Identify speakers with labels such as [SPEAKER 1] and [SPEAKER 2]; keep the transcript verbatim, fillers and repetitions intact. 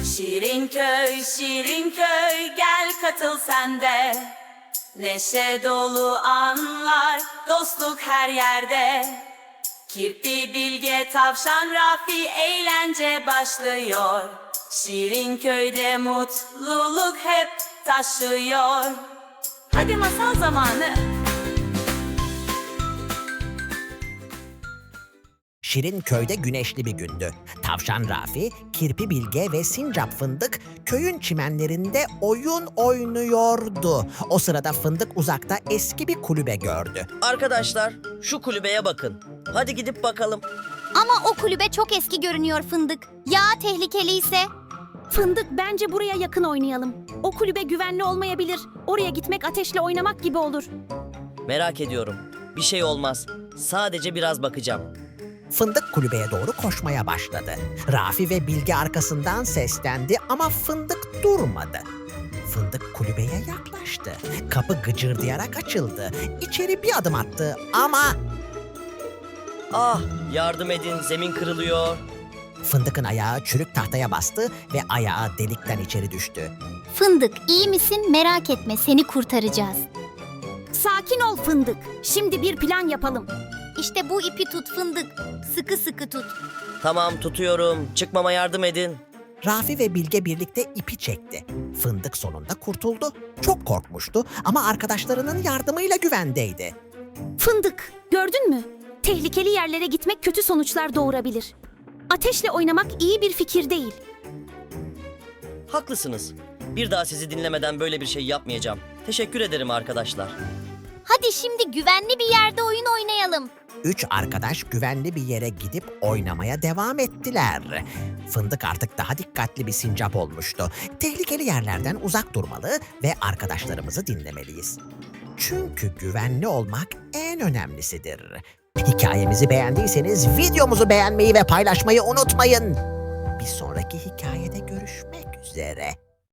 [SPEAKER 1] Şirin köy, şirin köy, gel katıl sen de. Neşe dolu anlar, dostluk her yerde. Kirpi, Bilge, Tavşan, Rafi, eğlence başlıyor. Şirin köyde mutluluk hep taşıyor. Hadi masal zamanı.
[SPEAKER 2] Şirin köyde güneşli bir gündü. Tavşan Rafi, Kirpi Bilge ve Sincap Fındık köyün çimenlerinde oyun oynuyordu. O sırada Fındık uzakta eski bir kulübe gördü.
[SPEAKER 3] Arkadaşlar, şu kulübeye bakın. Hadi gidip bakalım.
[SPEAKER 4] Ama o kulübe çok eski görünüyor Fındık. Ya tehlikeliyse?
[SPEAKER 5] Fındık, bence buraya yakın oynayalım. O kulübe güvenli olmayabilir. Oraya gitmek ateşle oynamak gibi olur.
[SPEAKER 3] Merak ediyorum. Bir şey olmaz. Sadece biraz bakacağım.
[SPEAKER 2] Fındık kulübeye doğru koşmaya başladı. Rafi ve Bilge arkasından seslendi ama Fındık durmadı. Fındık kulübeye yaklaştı. Kapı gıcırdayarak açıldı. İçeri bir adım attı ama
[SPEAKER 3] Ah, yardım edin, zemin kırılıyor.
[SPEAKER 2] Fındık'ın ayağı çürük tahtaya bastı ve ayağı delikten içeri düştü.
[SPEAKER 4] Fındık, iyi misin? Merak etme, seni kurtaracağız.
[SPEAKER 5] Sakin ol Fındık. Şimdi bir plan yapalım.
[SPEAKER 4] İşte bu ipi tut Fındık. Sıkı sıkı tut.
[SPEAKER 3] Tamam, tutuyorum. Çıkmama yardım edin.
[SPEAKER 2] Rafi ve Bilge birlikte ipi çekti. Fındık sonunda kurtuldu. Çok korkmuştu ama arkadaşlarının yardımıyla güvendeydi.
[SPEAKER 5] Fındık, gördün mü? Tehlikeli yerlere gitmek kötü sonuçlar doğurabilir. Ateşle oynamak iyi bir fikir değil.
[SPEAKER 3] Haklısınız. Bir daha sizi dinlemeden böyle bir şey yapmayacağım. Teşekkür ederim arkadaşlar.
[SPEAKER 4] Hadi şimdi güvenli bir yerde oyun oynayalım.
[SPEAKER 2] Üç arkadaş güvenli bir yere gidip oynamaya devam ettiler. Fındık artık daha dikkatli bir sincap olmuştu. Tehlikeli yerlerden uzak durmalı ve arkadaşlarımızı dinlemeliyiz. Çünkü güvenli olmak en önemlisidir. Hikayemizi beğendiyseniz videomuzu beğenmeyi ve paylaşmayı unutmayın. Bir sonraki hikayede görüşmek üzere.